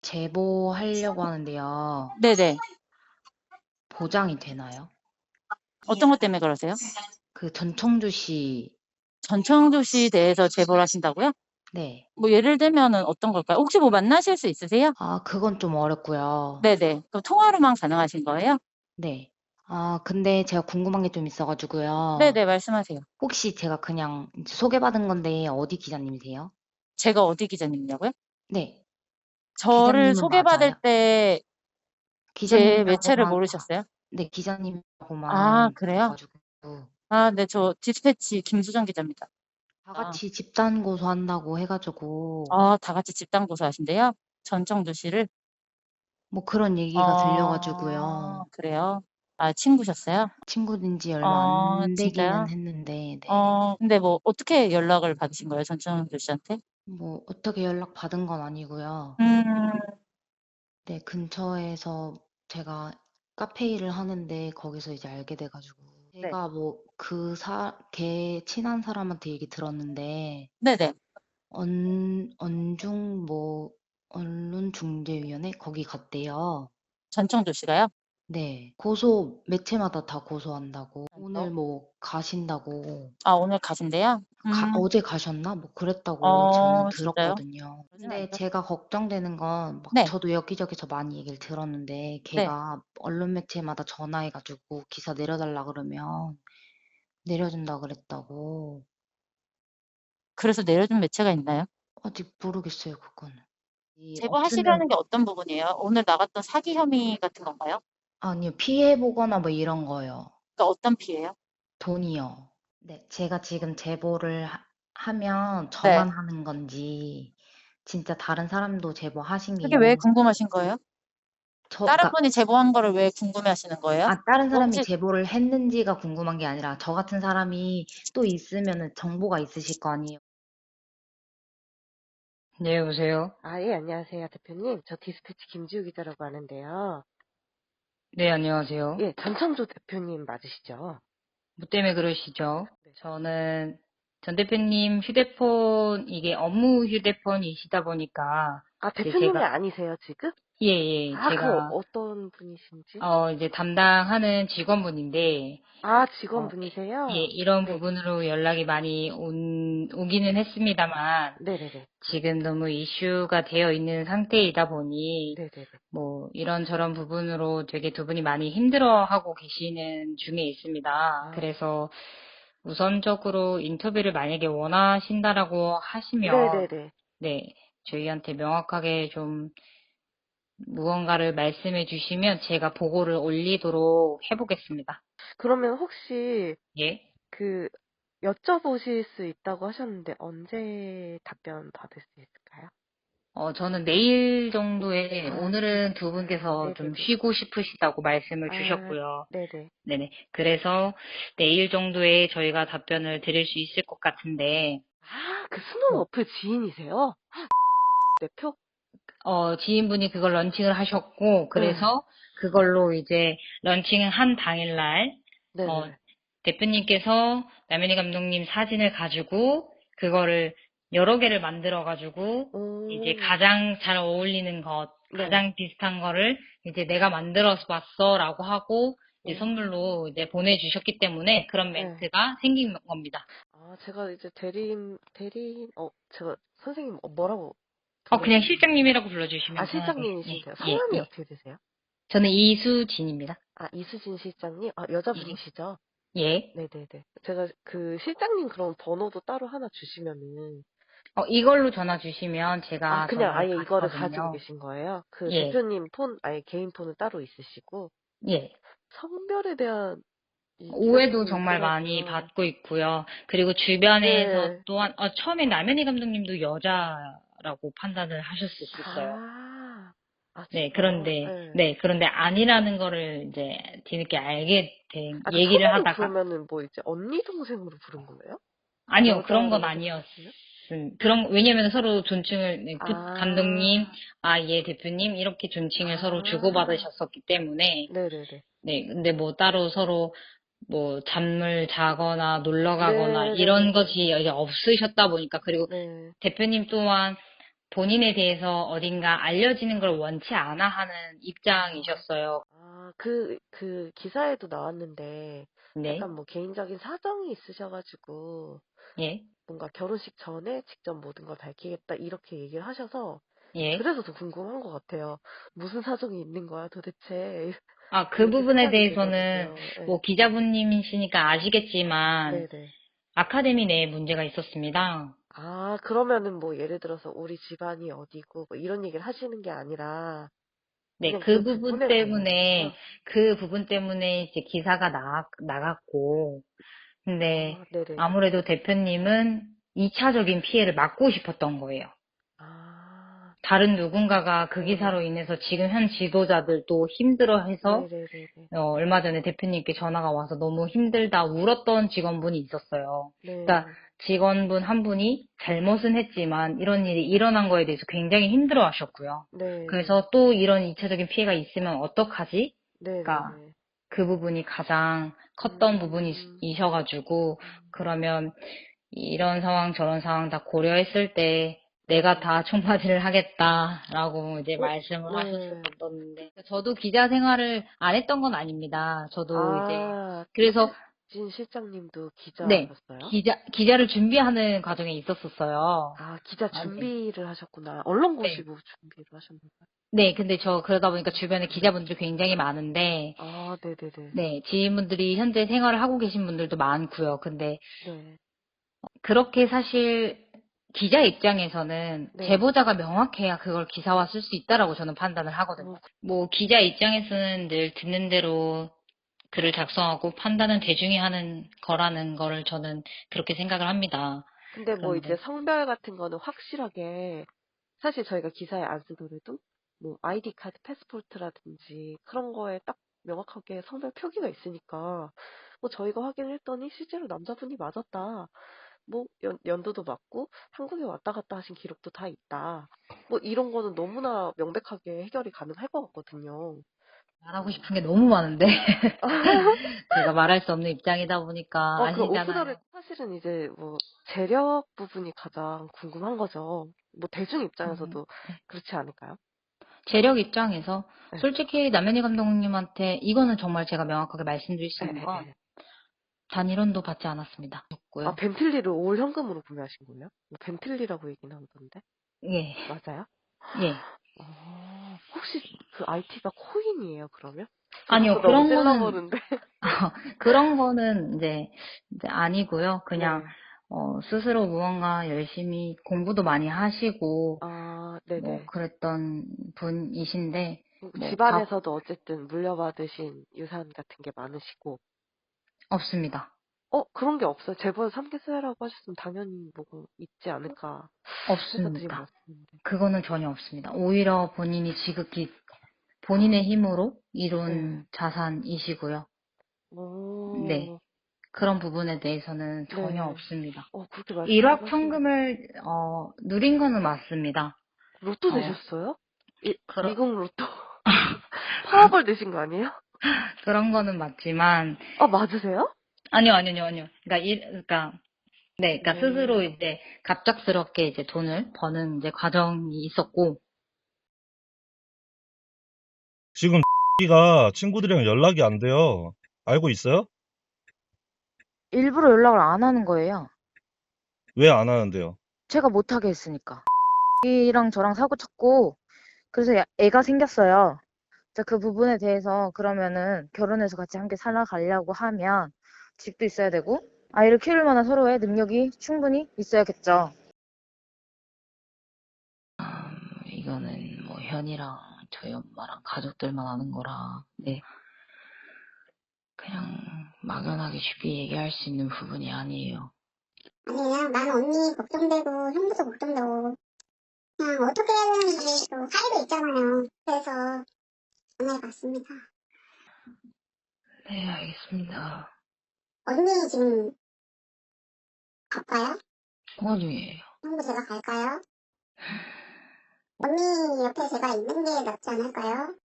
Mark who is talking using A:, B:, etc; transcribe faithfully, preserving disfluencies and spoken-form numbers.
A: 제보하려고 하는데요.
B: 네네.
A: 보장이 되나요?
B: 어떤 것 때문에 그러세요?
A: 그 전청주시.
B: 전청주시 대해서 제보를 하신다고요?
A: 네.
B: 뭐 예를 들면은 어떤 걸까요? 혹시 뭐 만나실 수 있으세요?
A: 아 그건 좀 어렵고요.
B: 네네. 그럼 통화로만 가능하신 거예요?
A: 네. 아 근데 제가 궁금한 게 좀 있어 가지고요.
B: 네네. 말씀하세요.
A: 혹시 제가 그냥 이제 소개받은 건데 어디 기자님이세요?
B: 제가 어디 기자님이냐고요?
A: 네.
B: 저를
A: 기자님은
B: 소개받을
A: 맞아요?
B: 때 제 매체를
A: 기자님이라고만
B: 모르셨어요?
A: 네
B: 아
A: 기자님이라고만 들어
B: 그래요?
A: 가지고
B: 아 네. 저 디스패치 김수정 기자입니다.
A: 다
B: 아.
A: 같이 집단 고소한다고 해 가지고
B: 아 다 같이 집단 고소하신대요? 전청주시를?
A: 뭐 그런 얘기가 들려
B: 어
A: 가지고요.
B: 그래요? 아 친구셨어요?
A: 친구 된 지 얼마
B: 어
A: 안 되기는
B: 진짜요?
A: 했는데 네.
B: 어 근데 뭐 어떻게 연락을 받으신 거예요? 전청주시한테?
A: 뭐 어떻게 연락받은 건 아니고요.
B: 음.
A: 네 근처에서 제가 카페 일을 하는데 거기서 이제 알게 돼 가지고
B: 네.
A: 제가 뭐 그 사 걔 친한 사람한테 얘기 들었는데
B: 네네.
A: 언 언중 뭐 언론중재위원회 거기 갔대요.
B: 전청주시가요?
A: 네. 고소 매체마다 다 고소한다고 오늘
B: 어.
A: 뭐 가신다고
B: 아 오늘 가신대요?
A: 가
B: 음.
A: 어제 가셨나? 뭐 그랬다고 저는
B: 어 진짜요?
A: 들었거든요.
B: 그러진
A: 근데
B: 않죠.
A: 제가 걱정되는 건 막
B: 네.
A: 저도 여기저기서 많이 얘기를 들었는데
B: 네.
A: 걔가 언론 매체마다 전화해 가지고 기사 내려 달라 그러면 내려준다 그랬다고.
B: 그래서 내려준 매체가 있나요?
A: 아직 모르겠어요 그거는. 이
B: 제보하시려는
A: 없으면
B: 게 어떤 부분이에요? 오늘 나갔던 사기 혐의 같은 건가요?
A: 아니요. 피해 보거나 뭐 이런 거요.
B: 그러니까 어떤 피해요?
A: 돈이요. 네. 제가 지금 제보를 하 하면
B: 네.
A: 저만 하는 건지 진짜 다른 사람도 제보하신 게
B: 그게 왜
A: 있는지
B: 궁금하신 거예요?
A: 저
B: 다른
A: 그러니까
B: 분이 제보한 거를 왜 궁금해하시는 거예요?
A: 아 다른
B: 뭐
A: 사람이
B: 혹시
A: 제보를 했는지가 궁금한 게 아니라 저 같은 사람이 또 있으면은 정보가 있으실 거 아니에요. 네 여보세요?
C: 아, 예, 안녕하세요, 대표님. 저 디스패치 김지우 기자라고 하는데요.
A: 네 안녕하세요.
C: 예, 전창조 대표님 맞으시죠?
A: 뭐 때문에 그러시죠?
C: 네.
A: 저는 전 대표님 휴대폰 이게 업무 휴대폰이시다 보니까
C: 아,
A: 이제
C: 대표님이
A: 제가
C: 아니세요, 지금?
A: 예예
C: 아, 그
A: 제가
C: 어떤 분이신지?
A: 어 이제 담당하는 직원분인데
C: 아,
A: 어 예
C: 직원분이세요?
A: 이런
C: 네.
A: 부분으로 연락이 많이 온 오기는 했습니다만
C: 네네네.
A: 지금 너무 이슈가 되어 있는 상태이다 보니
C: 네네네.
A: 뭐 이런저런 부분으로 되게 두 분이 많이 힘들어하고 계시는 중에 있습니다.
C: 아,
A: 그래서 우선적으로 인터뷰를 만약에 원하신다라고 하시면
C: 네네네.
A: 네 저희한테 명확하게 좀 무언가를 말씀해 주시면 제가 보고를 올리도록 해보겠습니다.
C: 그러면 혹시
A: 예.
C: 그 여쭤보실 수 있다고 하셨는데 언제 답변 받을 수 있을까요?
A: 어, 저는 내일 정도에
C: 아,
A: 오늘은 두
C: 아,
A: 분께서 좀
C: 네네네.
A: 쉬고 싶으시다고 말씀을
C: 아,
A: 주셨고요.
C: 네네.
A: 네네. 그래서 내일 정도에 저희가 답변을 드릴 수 있을 것 같은데,
C: 아, 그 수능
A: 어,
C: 어플 지인이세요? 대표?
A: 어, 지인분이 그걸 런칭을 하셨고,
C: 네.
A: 그래서 그걸로 이제 런칭을 한 당일날, 어,
C: 네네네.
A: 대표님께서 남현희 감독님 사진을 가지고, 그거를 여러 개를 만들어가지고, 이제
C: 오,
A: 가장 잘 어울리는 것,
C: 네.
A: 가장 비슷한 거를 이제 내가 만들어서 봤어 라고 하고, 이제
C: 오,
A: 선물로 이제 보내주셨기 때문에 그런
C: 네.
A: 멘트가 생긴 겁니다.
C: 아, 제가 이제 대리인, 대리인, 어, 제가 선생님 어, 뭐라고
A: 어, 그냥
C: 부르시면 되나요?
A: 실장님이라고
C: 아,
A: 불러주시면 편하게. 예,
C: 실장님이신데요.
A: 예,
C: 성함이
A: 예.
C: 어떻게 되세요?
A: 저는 이수진입니다.
C: 아, 이수진 실장님? 아,
A: 예.
C: 여자분이시죠?
A: 예.
C: 네네네. 제가 그 실장님 그런 번호도 따로 하나 주시면은,
A: 어, 이걸로 전화 주시면
C: 아,
A: 제가
C: 그냥
A: 전화를
C: 아예 이거를 가지고
A: 받거든요.
C: 계신 거예요? 그
A: 예,
C: 대표님 폰, 아예 개인 폰은 따로 있으시고,
A: 예.
C: 성별에 대한 이
A: 오해도
C: 휴대폰이
A: 정말 많이
C: 있더라고요.
A: 받고 있고요. 그리고 주변에서
C: 네.
A: 또한, 어, 처음에 남현희 감독님도 여자라고 판단을 하실 수 있었어요.
C: 아, 아,
A: 네,
C: 진짜요?
A: 그런데,
C: 네.
A: 네, 그런데 아니라는 거를 이제 뒤늦게 알게 된,
C: 아, 그
A: 얘기를
C: 처음엔
A: 하다가,
C: 그러면은 뭐 이제 언니 동생으로 부른 거예요?
A: 아니요, 그런 건
C: 여자라고
A: 아니었음.
C: 생각했어요?
A: 그런, 왜냐면 서로 존칭을, 네, 그 감독님,
C: 아,
A: 아, 예, 대표님, 이렇게 존칭을 서로
C: 아,
A: 주고받으셨었기 때문에,
C: 네네네.
A: 네, 근데 뭐 따로 서로 뭐 잠을 자거나 놀러 가거나 이런
C: 네네네네.
A: 것이 이제 없으셨다 보니까 그리고
C: 네.
A: 대표님 또한 본인에 대해서 어딘가 알려지는 걸 원치 않아 하는 입장이셨어요.
C: 아, 그, 그 기사에도 나왔는데,
A: 네.
C: 약간 뭐 개인적인 사정이 있으셔가지고,
A: 예.
C: 뭔가 결혼식 전에 직접 모든 걸 밝히겠다, 이렇게 얘기를 하셔서,
A: 예.
C: 그래서 더 궁금한 것 같아요. 무슨 사정이 있는 거야, 도대체.
A: 아, 그
C: 이렇게
A: 부분에
C: 생각이
A: 대해서는
C: 되더라고요.
A: 뭐 기자분님이시니까 아시겠지만
C: 네, 네네.
A: 아카데미 내에 문제가 있었습니다.
C: 아, 그러면은 뭐 예를 들어서 우리 집안이 어디고 뭐 이런 얘기를 하시는 게 아니라
A: 네,
C: 그냥
A: 그
C: 그
A: 부분
C: 부분에
A: 때문에,
C: 관련해서요?
A: 그 부분 때문에 이제 기사가 나, 나갔고, 근데
C: 아, 네네네.
A: 아무래도 대표님은 이 차적인 피해를 막고 싶었던 거예요.
C: 아,
A: 다른 누군가가 그
C: 네네.
A: 기사로 인해서 지금 현 지도자들도 힘들어해서
C: 네네네네.
A: 어, 얼마 전에 대표님께 전화가 와서 너무 힘들다 울었던 직원분이 있었어요. 그러니까
C: 네.
A: 직원분 한 분이 잘못은 했지만 이런 일이 일어난 거에 대해서 굉장히 힘들어 하셨고요.
C: 네.
A: 그래서 또 이런 이 차적인 피해가 있으면 어떡하지? 그러니까
C: 네네네.
A: 그 부분이 가장 컸던
C: 음,
A: 부분이셔가지고
C: 음,
A: 그러면 이런 상황 저런 상황 다 고려했을 때 내가
C: 네.
A: 다 총파지를 하겠다라고 이제
C: 어,
A: 말씀을
C: 네.
A: 하셨었는데 저도 기자 생활을 안 했던 건 아닙니다. 저도 이제
C: 아,
A: 그래서
C: 이세진 실장님도
A: 네
C: 기자셨어요?
A: 기자 기자를 준비하는 과정에 있었었어요.
C: 아, 기자
A: 아, 네.
C: 준비를 하셨구나.
A: 네.
C: 언론고시부 준비를 하셨나요?
A: 네, 근데 저 그러다 보니까 주변에 기자분들이 굉장히 많은데,
C: 아, 네네네.
A: 네, 지인분들이 현재 생활을 하고 계신 분들도 많고요. 근데
C: 네.
A: 그렇게 사실 기자 입장에서는
C: 네.
A: 제보자가 명확해야 그걸 기사화 쓸 수 있다라고 저는 판단을 하거든요.
C: 어,
A: 뭐 기자 입장에서는 늘 듣는 대로 글을 작성하고 판단은 대중이 하는 거라는 거를 저는 그렇게 생각을 합니다.
C: 근데 뭐 이제
A: 그런데
C: 성별 같은 거는 확실하게 사실 저희가 기사에 안 쓰더라도 뭐 아이디 카드, 패스포르트라든지 그런 거에 딱 명확하게 성별 표기가 있으니까 뭐 저희가 확인을 했더니 실제로 남자분이 맞았다. 뭐 연, 연도도 맞고 한국에 왔다 갔다 하신 기록도 다 있다. 뭐 이런 거는 너무나 명백하게 해결이 가능할 것 같거든요.
A: 말하고 싶은 게 너무 많은데 제가 말할 수 없는 입장이다 보니까
C: 어, 그 오프더를
A: 아시잖아요.
C: 사실은 이제 뭐 재력 부분이 가장 궁금한 거죠. 뭐 대중
A: 음,
C: 입장에서도 그렇지 않을까요?
A: 재력 입장에서
C: 네.
A: 솔직히 남현희 감독님한테 이거는 정말 제가 명확하게 말씀드릴 수
C: 에,
A: 있는
C: 에,
A: 건
C: 에.
A: 단일원도 받지 않았습니다.
C: 아,
A: 없고요.
C: 벤틀리를 올 현금으로 구매하신 거예요? 뭐 벤틀리라고 얘기는 하던데.
A: 예,
C: 맞아요?
A: 예.
C: 어, 혹시 그 아이티가 코인이에요, 그러면?
A: 아니요,
C: 그것도 너무
A: 그런 거는,
C: 찔러보는데.
A: 그런 거는 이제, 이제 아니고요. 그냥,
C: 네.
A: 어, 스스로 무언가 열심히 공부도 많이 하시고,
C: 아,
A: 뭐,
C: 네네.
A: 그랬던 분이신데, 뭐, 밥
C: 집안에서도 어쨌든 물려받으신 유산 같은 게 많으시고.
A: 없습니다.
C: 어, 그런 게 없어요. 재벌 삼 개세라고 하셨으면 당연히 뭐 있지 않을까 해서 드린
A: 없습니다.
C: 말씀인데.
A: 그거는 전혀 없습니다. 오히려 본인이 지극히 본인의 힘으로
C: 네.
A: 이룬 자산이시고요. 네.
C: 오,
A: 그런 부분에 대해서는 전혀
C: 네.
A: 없습니다.
C: 어, 그렇게 말씀을 하시니까.
A: 일확천금을, 어, 누린 거는 맞습니다.
C: 로또
A: 어,
C: 되셨어요? 이,
A: 그러,
C: 미국 로또. 파워볼 되신 거 아니에요?
A: 그런 거는 맞지만,
C: 아, 맞으세요?
A: 아니요, 아니요, 아니요. 그러니까, 일, 그러니까, 네, 그러니까 스스로
C: 오,
A: 이제 갑작스럽게 이제 돈을 버는 이제 과정이 있었고,
D: 지금 가 친구들이랑 연락이 안 돼요. 알고 있어요?
E: 일부러 연락을 안 하는 거예요.
D: 왜 안 하는데요?
E: 제가 못하게 했으니까. 이랑 저랑 사고 쳤고, 그래서 야- 애가 생겼어요. 자, 그 부분에 대해서 그러면은 결혼해서 같이 함께 살아가려고 하면 집도 있어야 되고, 아이를 키울 만한 서로의 능력이 충분히 있어야겠죠.
A: 이거는 뭐 현이랑 저희 엄마랑 가족들만 아는 거라, 네. 그냥 막연하게 쉽게 얘기할 수 있는 부분이 아니에요.
F: 아니 그냥 나는 언니 걱정되고 형부도 걱정되고 그냥 어떻게 해야 되는지 또 사이도 있잖아요. 그래서 전화해봤습니다.
A: 네, 알겠습니다.
F: 언니 지금 갈까요?
A: 통화 중이에요.
F: 형부 제가 갈까요? 언니 옆에 제가 있는 게 낫지 않을까요?